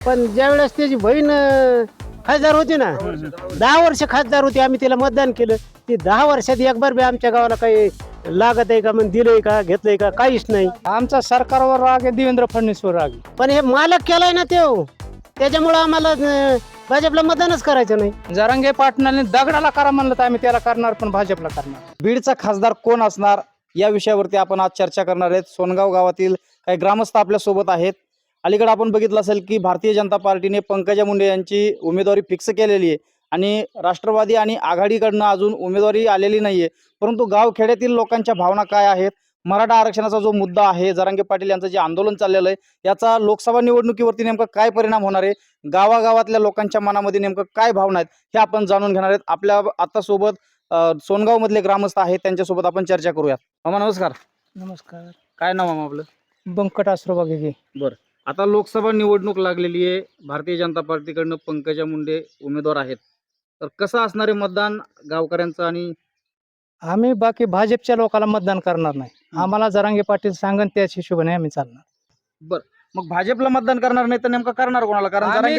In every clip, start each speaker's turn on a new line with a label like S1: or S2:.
S1: पण ज्यावेळेस त्याची बहीण खासदार होती ना, 10 वर्ष खासदार होती, आम्ही तिला मतदान केलं. ती 10 वर्षात एक बार बी आमच्या गावाला काही लागत आहे का, मग दिलंय का, घेतलंय का, काहीच नाही.
S2: आमचा सरकारवर राग आहे, देवेंद्र फडणवीसवर राग आहे.
S1: पण हे मालक केलाय ना तो, त्याच्यामुळं आम्हाला भाजपला मतदानच करायचं नाही.
S2: जरांगे पाटलांनी दगडाला करा म्हणलं तर आम्ही त्याला करणार, पण भाजपला करणार.
S3: बीडचा खासदार कोण असणार या विषयावरती आपण आज चर्चा करणार आहेत. सोनगाव गावातील काही ग्रामस्थ आपल्या सोबत आहेत. अलीकडे आपण बघितलं असेल की भारतीय जनता पार्टीने पंकजा मुंडे यांची उमेदवारी फिक्स केलेली आहे आणि राष्ट्रवादी आणि आघाडीकडनं अजून उमेदवारी आलेली नाहीये. परंतु गावखेड्यातील लोकांच्या भावना काय आहेत, मराठा आरक्षणाचा जो मुद्दा आहे, जरांगे पाटील यांचं जे आंदोलन चाललेलं आहे, याचा लोकसभा निवडणुकीवरती नेमका काय परिणाम होणार आहे, गावागावातल्या लोकांच्या मनामध्ये नेमकं काय भावना आहेत, हे आपण जाणून घेणार आहेत. आपल्या आता सोबत सोनगाव मधले ग्रामस्थ आहेत, त्यांच्यासोबत आपण चर्चा करूयात. मामा नमस्कार.
S2: नमस्कार.
S3: काय नाव मामा आपलं?
S2: बंकट आसरोबा घे.
S3: बरं, आता लोकसभा निवडणूक लागलेली आहे. भारतीय जनता पार्टीकडनं पंकजा मुंडे उमेदवार आहेत. तर कसं असणार आहे मतदान गावकऱ्यांचं? आणि
S2: आम्ही बाकी भाजपच्या लोकांना मतदान करणार नाही. आम्हाला जरांगे पाटील सांगन त्याच हिशोबाने आम्ही चालणार.
S3: बरं, मग भाजपला मतदान करणार नाही तर नेमकं करणार कोणाला? कारण
S2: आम्ही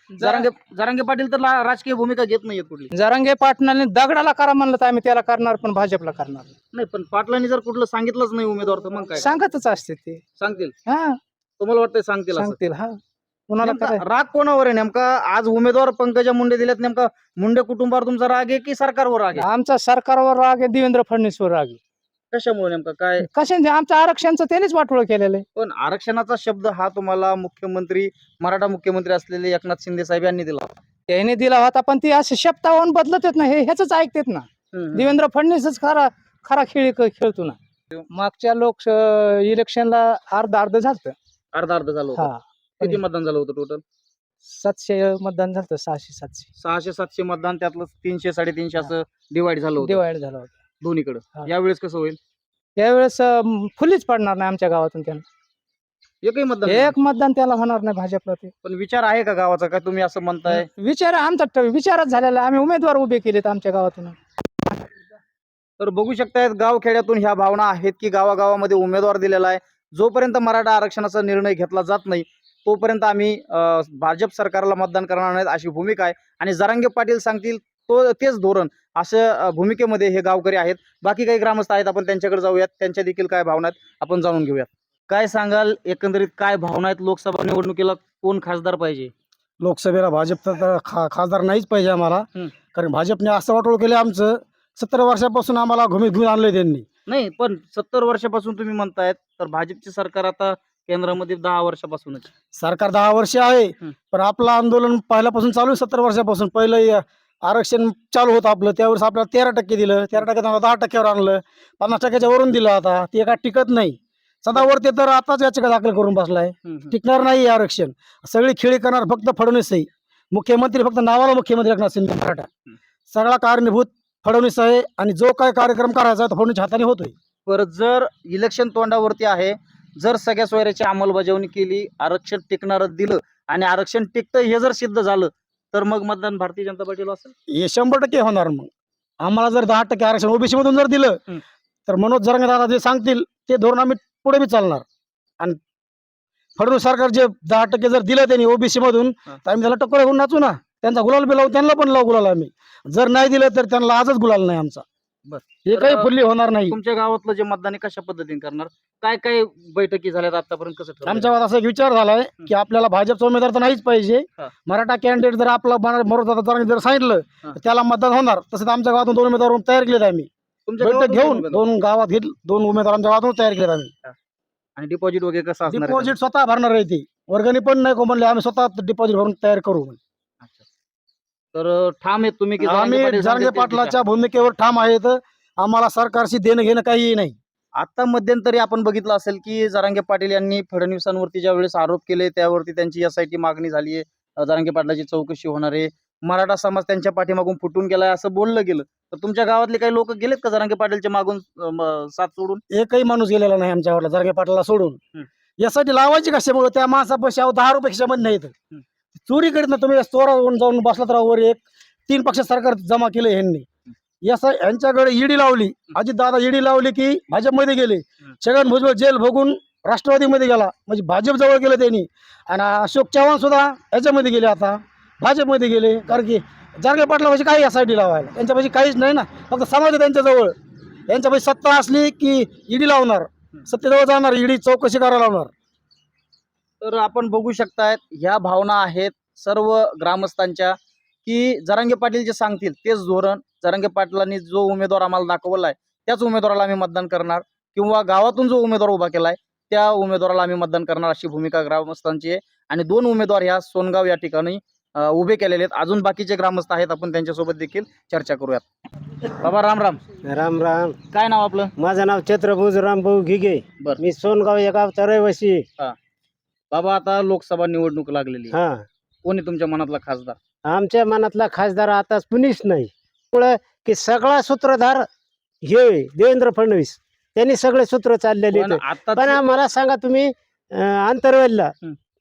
S3: जरांगे पाटील तर राजकीय भूमिका घेत नाहीयेत कुठली.
S2: जरांगे पाटलांनी दगडाला करा म्हणलं तर आम्ही त्याला करणार, पण भाजपला करणार.
S3: नाही, पण पाटलांनी जर कुठलं सांगितलंच नाही उमेदवार तर मग काय
S2: सांगतच असते ते.
S3: सांगतील?
S2: हा,
S3: तुम्हाला वाटतंय सांगतील असं?
S2: सांगतील. हा, कुणाला
S3: नेमका
S2: करायचं?
S3: राग कोणावर आहे नेमका? आज उमेदवार पंकजा मुंडे दिलेत, नेमका मुंडे कुटुंबावर तुमचा राग आहे की सरकारवर राग आहे?
S2: आमचा सरकारवर राग आहे, देवेंद्र फडणवीसवर राग आहे.
S3: कशामुळे नेमका काय?
S2: कशाने? आमचं आरक्षणचं त्यांनीच वाटोळ केलेलं आहे.
S3: पण आरक्षणाचा शब्द हा तुम्हाला मुख्यमंत्री, मराठा मुख्यमंत्री असलेले एकनाथ शिंदे साहेब यांनी दिला.
S2: त्याने दिला होता, पण ती असे शब्दावरून बदलत येत ना, हे ह्याच ऐकतेत ना. देवेंद्र फडणवीसच खरा खेळ खेळतो ना. मागच्या इलेक्शनला अर्ध झालं.
S3: अर्ध झालं होतं.
S2: हा,
S3: किती मतदान झालं होतं टोटल?
S2: 700 मतदान झालं. 600-700
S3: 600-700 मतदान, त्यातलं 300-350 असं डिवाइड झालं होतं
S2: डिवाइड झालं होतं
S3: दोन्हीकडे.
S2: हा.
S3: यावेळेस कसं होईल?
S2: त्यावेळेस फुलीच पडणार नाही आमच्या गावातून. त्यांना
S3: एकही मतदान
S2: एक मतदान त्याला होणार नाही भाजपला. ते
S3: पण विचार आहे का गावाचा? काय तुम्ही असं म्हणताय?
S2: विचार आमचा विचारच झालेला. आम्ही उमेदवार उभे केलेत आमच्या गावातून.
S3: तर बघू शकतायत गावखेड्यातून ह्या भावना आहेत की गावागावामध्ये उमेदवार दिलेला आहे. जोपर्यंत मराठा आरक्षणाचा निर्णय घेतला जात नाही तोपर्यंत आम्ही भाजप सरकारला मतदान करणार नाहीत अशी भूमिका आहे. आणि जरांगे पाटील सांगतील तेच धोरण, अशा भूमिकेमध्ये हे गावकरी आहेत. बाकी काही ग्रामस्थ आहेत, आपण त्यांच्याकडे जाऊयात. त्यांच्या देखील काय भावना आहेत आपण जाणून घेऊयात. काय सांगाल, एकंदरीत काय भावना आहेत? लोकसभा निवडणुकीला कोण खासदार पाहिजे?
S4: लोकसभेला भाजप तर खासदार नाहीच पाहिजे आम्हाला. कारण भाजपने असं वाटोळ केलं आमचं. 70 वर्षापासून आम्हाला घुमीत घेऊन आणलंय त्यांनी.
S3: नाही, पण 70 वर्षापासून तुम्ही म्हणतायत, तर भाजपचे सरकार आता केंद्रामध्ये 10 वर्षापासूनच.
S4: सरकार 10 वर्ष आहे, पण आपलं आंदोलन पहिल्यापासून चालू आहे. 70 वर्षापासून पहिलं आरक्षण चालू होतं आपलं, त्यावेळेस आपल्याला 13% दिलं. 13% 10%वर आणलं. 50%च्या वरून दिलं. आता ते काय टिकत नाही. सदावर ते तर आताच याचिका दाखल करून बसलाय. टिकणार नाही आरक्षण. सगळी खेळी करणार फक्त फडणवीस आहे. मुख्यमंत्री फक्त नावाला मुख्यमंत्री एकनाथ शिंदे मराठा. सगळा कारणीभूत फडणवीस आहे आणि जो काय कार्यक्रम करायचा तो फडणवीस हाताने होतोय.
S3: पर जर इलेक्शन तोंडावरती आहे, जर सगळ्या सोयऱ्याची अंमलबजावणी केली, आरक्षण टिकणारं दिलं आणि आरक्षण टिकतं हे जर सिद्ध झालं, तर मग मतदान भारतीय जनता पार्टीला असेल.
S4: हे 100% होणार. मग आम्हाला जर 10% आरक्षण ओबीसी मधून जर दिलं तर मनोज जरांगे दादा जे सांगतील ते धोरण आम्ही पुढे बी चालणार. आणि फडणवीस सरकार जे 10% जर दिलं त्यांनी ओबीसी मधून, तर आम्ही त्याला टक्कर घेऊन नाचू ना. त्यांचा गुलाल बी लावू, त्यांना पण लावू गुलाल आम्ही. जर नाही दिलं तर त्यांना आजच गुलाल नाही आमचा. हे काही फुल्ली होणार नाही.
S3: तुमच्या गावातलं जे मतदान आहे कशा पद्धतीने करणार? काय काय बैठकी झाल्यात आतापर्यंत? कसं ठरवलं?
S4: आमच्या गावात असा एक विचार झालाय की आपल्याला भाजपचा उमेदवार तर नाहीच पाहिजे. मराठा कॅन्डिडेट जर आपला जर सांगितलं तर त्याला मतदान होणार. तसंच आमच्या गावातून 2 उमेदवार तयार केलेत आम्ही. बैठक घेऊन 2 गावात 2 उमेदवार आमच्या गावातून तयार केलेत आम्ही.
S3: आणि डिपॉझिट वगैरे कसं असणार?
S4: डिपॉझिट स्वतः भरणार आहे. ती वर्गणी पण नाही को म्हणले, आम्ही स्वतः डिपॉझिट भरून तयार करू.
S3: तर ठाम आहेत तुम्ही की
S4: आम्ही जरांगे पाटलाच्या भूमिकेवर ठाम आहेत. आम्हाला सरकारशी देणं घेणं काही नाही.
S3: आता मध्यंतरी आपण बघितलं असेल की जरांगे पाटील यांनी फडणवीसांवरती ज्या वेळेस आरोप केले त्यावरती त्यांची SIT मागणी झाली आहे. जरांगे पाटलाची चौकशी होणार आहे. मराठा समाज त्यांच्या पाठीमागून फुटून गेलाय असं बोललं गेलं. तर तुमच्या गावातले काही लोक गेलेत का जरांगे पाटीलच्या मागून साथ सोडून?
S4: एकही माणूस गेलेला नाही आमच्या गावाला जरांगे पाटलाला सोडून. यासाठी लावायची कशामुळे? त्या माणसापाशी 10 रुपये खिशामध्ये नाहीत. चोरी करीत ना तुम्ही. चोरावरून जाऊन बसला तर वर 3 पक्ष सरकार जमा केलं ह्यांनी. यांच्याकडे ईडी लावली. अजित दादा ईडी लावली की भाजपमध्ये गेले. छगन भुजबळ जेल भोगून राष्ट्रवादीमध्ये गेला, म्हणजे भाजप जवळ गेलं त्यांनी. आणि अशोक चव्हाण सुद्धा ह्याच्यामध्ये गेले, आता भाजपमध्ये गेले. कारण की जरांगे पाटलापाशी काही यासाठी लावायला, त्यांच्यापाशी काहीच नाही ना, फक्त समाज आहे त्यांच्याजवळ. यांच्यापाशी सत्ता असली की ईडी लावणार, सत्तेजवळ जाणार, ईडी चौकशी करायला लावणार.
S3: तर आपण बघू शकतायत ह्या भावना आहेत सर्व ग्रामस्थांच्या, की जरांगे पाटील जे सांगतील तेच धोरण, जरांगे पाटलांनी जो उमेदवार आम्हाला दाखवलाय त्याच उमेदवाराला आम्ही मतदान करणार, किंवा गावातून जो उमेदवार उभा केलाय त्या उमेदवाराला आम्ही मतदान करणार, अशी भूमिका ग्रामस्थांची आहे. आणि 2 उमेदवार ह्या सोनगाव या ठिकाणी उभे केलेले आहेत. अजून बाकीचे ग्रामस्थ आहेत, आपण त्यांच्यासोबत देखील चर्चा करूयात. बाबा राम राम.
S1: राम राम.
S3: काय नाव आपलं?
S1: माझं नाव छत्रभुज रामभाऊ घिगे.
S3: बरं.
S1: मी सोनगाव या गावचा रहिवासी आहे.
S3: बाबा आता लोकसभा निवडणूक लागलेली आहे.
S1: हा,
S3: कोणी तुमच्या मनातला खासदार?
S1: आमच्या मनातला खासदार आता कुणीच नाही. त्यामुळं की सगळा सूत्रधार हे देवेंद्र फडणवीस, त्यांनी सगळे सूत्र चाललेले
S3: पण
S1: आहेत.
S3: आता
S1: पण मला सांगा तुम्ही, आंतरवेलला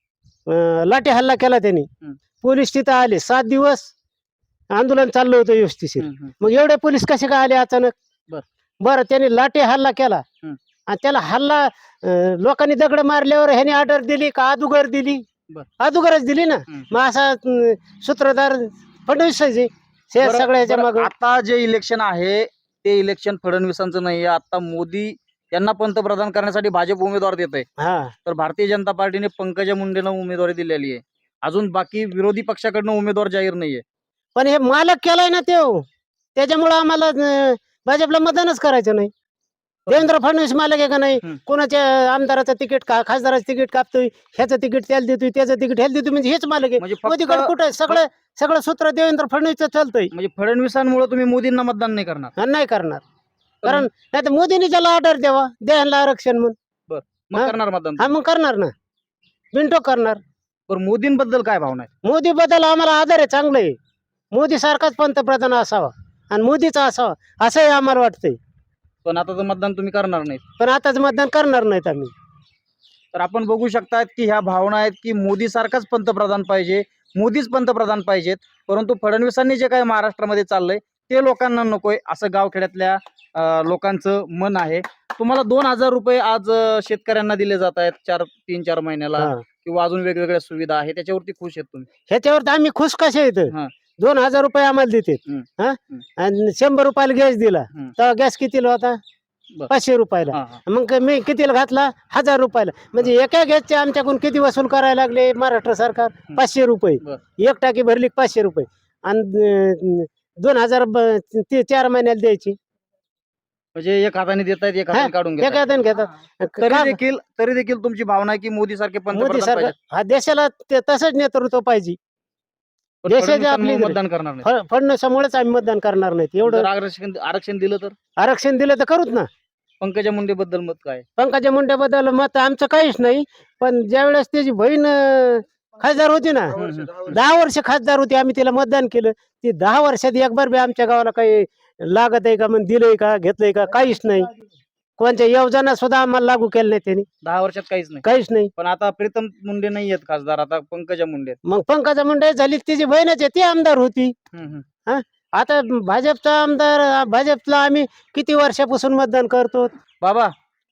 S1: लाठी हल्ला केला त्यांनी, पोलीस तिथं आले, 7 दिवस आंदोलन चाललं होतं व्यवस्थिशीर. मग एवढे पोलीस कसे काय आले अचानक?
S3: बर.
S1: बरं, त्यांनी लाठी हल्ला केला आणि त्याला हल्ला लोकांनी दगड मारल्यावर ह्याने ऑर्डर दिली का अदुगर दिली?
S3: बर.
S1: अदुगरच दिली ना. मग असा सूत्रधार फडणवीस आहे सगळ्याच्या
S3: बरं,
S1: माग.
S3: आता जे इलेक्शन आहे ते इलेक्शन फडणवीसांचं नाही, आता मोदी यांना पंतप्रधान करण्यासाठी भाजप उमेदवार देत आहे.
S1: हा,
S3: तर भारतीय जनता पार्टीने पंकजा मुंडेंना उमेदवारी दिलेली आहे. अजून बाकी विरोधी पक्षाकडनं उमेदवार जाहीर नाहीये.
S1: पण हे मालक केलाय ना तो, त्याच्यामुळं आम्हाला भाजपला मतदानच करायचं नाही. देवेंद्र फडणवीस मालक आहे का नाही? कोणाच्या आमदाराचं तिकीट खासदाराचं तिकीट कापतोय, ह्याचं तिकीट त्याला देतोय, त्याचं तिकीट ह्याला देतोय, म्हणजे हेच मालक आहे.
S3: म्हणजे
S1: मोदीकडे
S3: फक्त
S1: कुठं सगळं सगळं सूत्र देवेंद्र फडणवीसचं चालतंय.
S3: म्हणजे फडणवीसांमुळे तुम्ही मोदींना मतदान नाही करणार?
S1: आणि नाही करणार, कारण नाही तर मोदींनी त्याला ऑर्डर द्यावा, द्यायला आरक्षण म्हणून.
S3: मग
S1: हा?
S3: करणार मतदान?
S1: हा, मग करणार ना, बिनटोक करणार.
S3: पण मोदींबद्दल काय भावना आहे?
S1: मोदी बद्दल आम्हाला आदर आहे, चांगलं आहे. मोदी सारखाच पंतप्रधान असावा आणि मोदीचा असावा असंही आम्हाला वाटतंय.
S3: पण आता तर मतदान तुम्ही करणार नाही.
S1: पण आताच मतदान करणार नाहीत आम्ही.
S3: तर आपण बघू शकतात की ह्या भावना आहेत की मोदी सारखाच पंतप्रधान पाहिजे, मोदीच पंतप्रधान पाहिजेत. परंतु फडणवीसांनी जे काही महाराष्ट्रामध्ये चाललंय ते लोकांना नकोय, असं गावखेड्यातल्या लोकांचं मन आहे. तुम्हाला 2,000 रुपये आज शेतकऱ्यांना दिले जात आहेत 3-4 महिन्याला,
S1: हा.
S3: किंवा अजून वेगवेगळ्या सुविधा आहे, त्याच्यावरती खुश आहेत तुम्ही?
S1: ह्याच्यावर तर आम्ही खुश कसे येत.
S3: हा.
S1: 2,000 रुपये आम्हाला देतात. हा, आणि 100 रुपयाला गॅस दिला, तर गॅस कितीला होता?
S3: बर.
S1: 500 रुपयाला.
S3: हा, हा.
S1: मग मी कितीला घातला? 1000 रुपयाला. म्हणजे एका गॅसचे आमच्याकडून किती वसूल करायला लागले महाराष्ट्र सरकार? 500 रुपये.
S3: बर.
S1: एक टाकी भरली 500 रुपये, आणि 2,000 ते 4 महिन्याला द्यायची.
S3: म्हणजे एक हाताने देत आहेत, एक हाताने काढून
S1: एका
S3: घेतात.
S1: हाताने घेतात.
S3: तरी देखील तुमची भावना आहे की मोदी सारखे
S1: मोदी
S3: पंतप्रधान
S1: सरकार
S3: पाहिजेत.
S1: हा देशाला तसंच नेतृत्व पाहिजे.
S3: पण
S1: देशाची
S3: फडणवीसांमुळे
S1: आपली-
S3: मतदान करणार नाही.
S1: फडणवीसामुळेच आम्ही मतदान करणार नाहीत. एवढं
S3: जर आरक्षण दिलं तर?
S1: आरक्षण दिलं तर करूच ना.
S3: पंकजा मुंडे बद्दल मत काय?
S1: पंकजा मुंडेबद्दल मत आमचं काहीच नाही. पण ज्या वेळेस त्याची बहीण खासदार होती ना, 10 वर्ष खासदार होती, आम्ही तिला मतदान केलं. ती 10 वर्षात एक बार बी आमच्या गावाला काही लागत आहे का, मग दिलंय का, घेतलंय का, काहीच नाही. कोणत्या योजना सुद्धा आम्हाला लागू केल्या नाही त्यांनी,
S3: 10 वर्षात काहीच नाही.
S1: काहीच नाही.
S3: पण आता प्रीतम मुंडे नाही आहेत खासदार, आता पंकजा मुंडे आहेत.
S1: मग पंकजा मुंडे झाली, तिची बहीणच आहे, ती आमदार होती. आता भाजपचा आमदार, भाजपला आम्ही किती वर्षापासून मतदान करतो.
S3: बाबा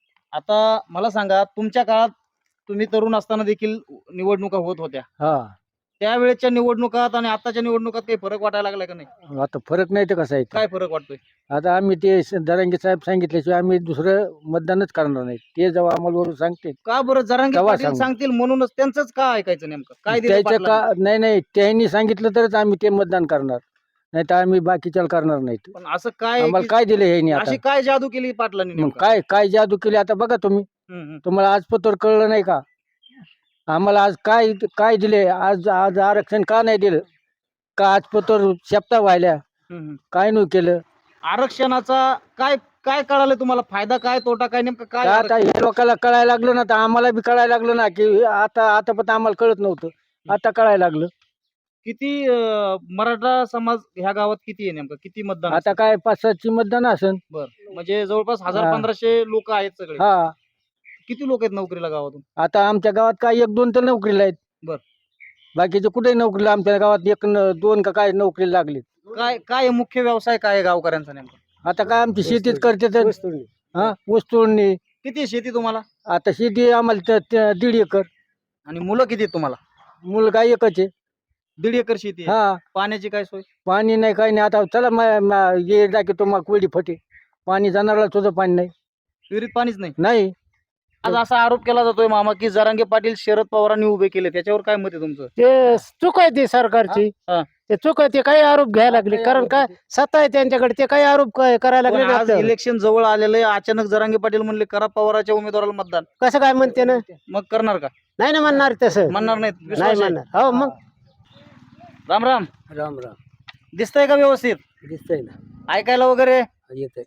S3: आता मला सांगा, तुमच्या काळात तुम्ही तरुण असताना देखील निवडणुका होत होत्या, त्यावेळेच्या निवडणुकात आणि आताच्या निवडणुकात काही फरक वाटायला लागलाय का नाही?
S2: आता फरक नाही तर कसं आहे
S3: काय फरक वाटतोय?
S2: आता आम्ही ते दरांगे साहेब सांगितल्याशिवाय आम्ही दुसरं मतदानच करणार नाही. ते जेव्हा आम्हाला वरून सांगते
S3: का बरं जरांगे
S2: तेव्हा
S3: पाटील
S2: सांगू.
S3: सांगतील म्हणूनच त्यांचंच का ऐकायचं? नेमकं काय दिलं
S2: त्याच्या
S3: पाटलांनी?
S2: का नाही त्यांनी सांगितलं तरच आम्ही ते मतदान करणार, नाही तर आम्ही बाकीच्याला करणार नाहीत.
S3: पण असं काय
S2: आम्हाला
S3: की-
S2: काय दिलं हे आता?
S3: अशी काय जादू केली पाटलांनी
S2: मग
S3: नेमकं?
S2: काय काय जादू केली आता बघा तुम्ही. तुम्हाला आज पत्र कळलं नाही का? आम्हाला आज काय काय दिले? आज आज आरक्षण का नाही दिलं? का आज पत्र शेपटा व्हायला काय नाही केलं?
S3: आरक्षणाचा काय काय कळालं तुम्हाला? फायदा काय, तोटा काय, नेमकं काय?
S2: आता हे लोकांना कळायला लागलं ना, तर आम्हाला बी कळायला लागलं ना, की आता पण आम्हाला कळत नव्हतं, आता कळायला लागलं.
S3: किती मराठा समाज ह्या गावात किती आहे नेमकं? किती मतदान
S2: आता काय 5-6ची मतदान असेल.
S3: बरं, म्हणजे जवळपास
S2: हा.
S3: 1000-1500 लोक आहेत सगळे.
S2: हा,
S3: किती लोक आहेत नोकरीला गावातून?
S2: आता आमच्या गावात काय 1-2 तर नोकरीला आहेत.
S3: बर.
S2: बाकीचे कुठे नोकरीला? आमच्या गावात 1-2 का काय नोकरीला लागले.
S3: काय काय मुख्य व्यवसाय काय आहे गावकऱ्यांचा नेमका?
S2: आता काय आमची शेतीच करते तर.
S1: वस्तूंनी.
S2: हा, ऊस तोडणी.
S3: किती आहे शेती तुम्हाला?
S2: आता शेती आम्हाला 1.5 एकर.
S3: आणि मुलं किती आहेत तुम्हाला?
S2: मुलगा एकच आहे.
S3: 1.5 एकर शेती आहे.
S2: हा,
S3: पाण्याची काय सोय?
S2: पाणी नाही काही नाही. आता चला ये जा की तुम्हाला कोरडी फटे. पाणी जाणारला सुद्धा पाणी नाही.
S3: विहिरीत पाणीच नाही.
S2: नाही
S3: आज असा आरोप केला जातोय मामा की जरांगे पाटील शरद पवारांनी उभे केले, त्याच्यावर काय मत आहे तुमचं?
S1: ते चूक आहे ती सरकारची.
S3: हा.
S1: ते चूक आहे, ते काही आरोप घ्यायला लागले. कारण काय सत्ता आहे त्यांच्याकडे, ते काही आरोप करायला
S3: पण
S1: लागले
S3: आज
S1: आपल्यावर.
S3: इलेक्शन जवळ आलेलं आहे, अचानक जरांगे पाटील म्हणले करा पवाराच्या उमेदवाराला मतदान.
S1: कसं काय म्हणते ना?
S3: मग करणार का?
S1: नाही ना म्हणणार तसं.
S3: म्हणणार नाहीत?
S1: नाही
S3: विश्वास आहे?
S1: म्हणणार. हो मग
S3: राम राम.
S2: राम राम.
S3: दिसतंय का व्यवस्थित?
S2: दिसतंय ना.
S3: ऐकायला वगैरे
S2: येतंय.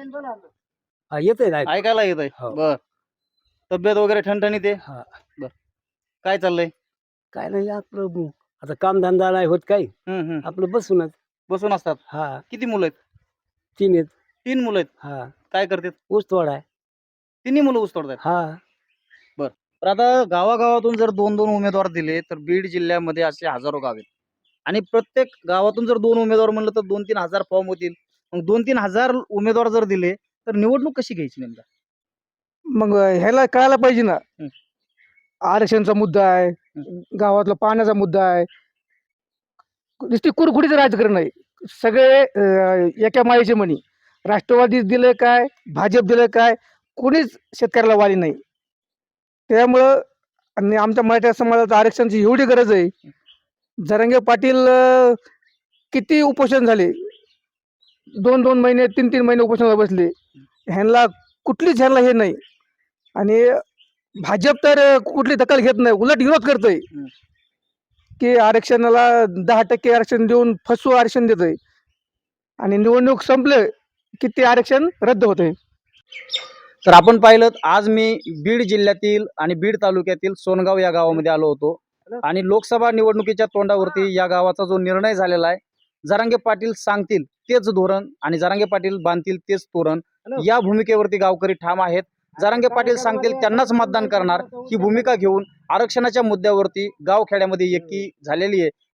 S2: येतंय ना.
S3: ऐकायला येत आहे?
S2: हो.
S3: बर. तब्येत वगैरे ठणठणीत आहे?
S2: हा.
S3: काय चाललंय?
S2: काय नाही आपलं आता कामधंदा नाही होत काही. आपलं बसूनच.
S3: बसून असतात.
S2: हा,
S3: किती मुलं आहेत?
S2: 3 आहेत.
S3: 3 मुलं आहेत.
S2: हा,
S3: काय करतात?
S2: ऊस तोडा आहे.
S3: तिन्ही मुलं ऊस तोडतात.
S2: हा,
S3: तर आता गावागावातून जर 2-2 उमेदवार दिले तर बीड जिल्ह्यामध्ये असे हजारो गाव आहेत आणि प्रत्येक गावातून जर 2 उमेदवार म्हणलं तर 2-3 हजार फॉर्म होतील. मग 2-3 हजार उमेदवार जर दिले तर निवडणूक कशी घ्यायची नेमका?
S4: मग ह्याला कळायला पाहिजे ना.
S3: हं.
S4: आरक्षणचा मुद्दा आहे, गावातला पाण्याचा मुद्दा आहे. नुसती कुरकुडीचं राजकारण आहे. सगळे एका मायेचे म्हणी. राष्ट्रवादी दिलं काय, भाजप दिलं काय, कोणीच शेतकऱ्याला वाली नाही. त्यामुळं आणि आमच्या मराठा समाजात आरक्षणाची एवढी गरज आहे. जरांगे पाटील किती उपोषण झाले, 2-2 महिने 3-3 महिने उपोषणाला बसले. ह्यांना कुठलीच ह्यांना हे नाही. आणि भाजप तर कुठली दखल घेत नाही, उलट विरोध करतोय की आरक्षणाला 10% आरक्षण देऊन फसवू आरक्षण देतोय आणि निवडणूक संपलं की ते आरक्षण रद्द होतंय.
S3: तर आपण पाहिलं आज मी बीड जिल्ह्यातील आणि बीड तालुक्यातील सोनगाव या गावामध्ये आलो होतो आणि लोकसभा निवडणुकीच्या तोंडावरती या गावाचा जो निर्णय झालेला आहे, जरांगे पाटील सांगतील तेच धोरण आणि जरांगे पाटील बांधतील तेच तोरण, या भूमिकेवरती गावकरी ठाम आहेत. जरांगे पाटील सांगतील त्यांनाच मतदान करणार ही भूमिका घेऊन आरक्षणाच्या मुद्द्यावरती गावखेड्यामध्ये एकी झालेली आहे.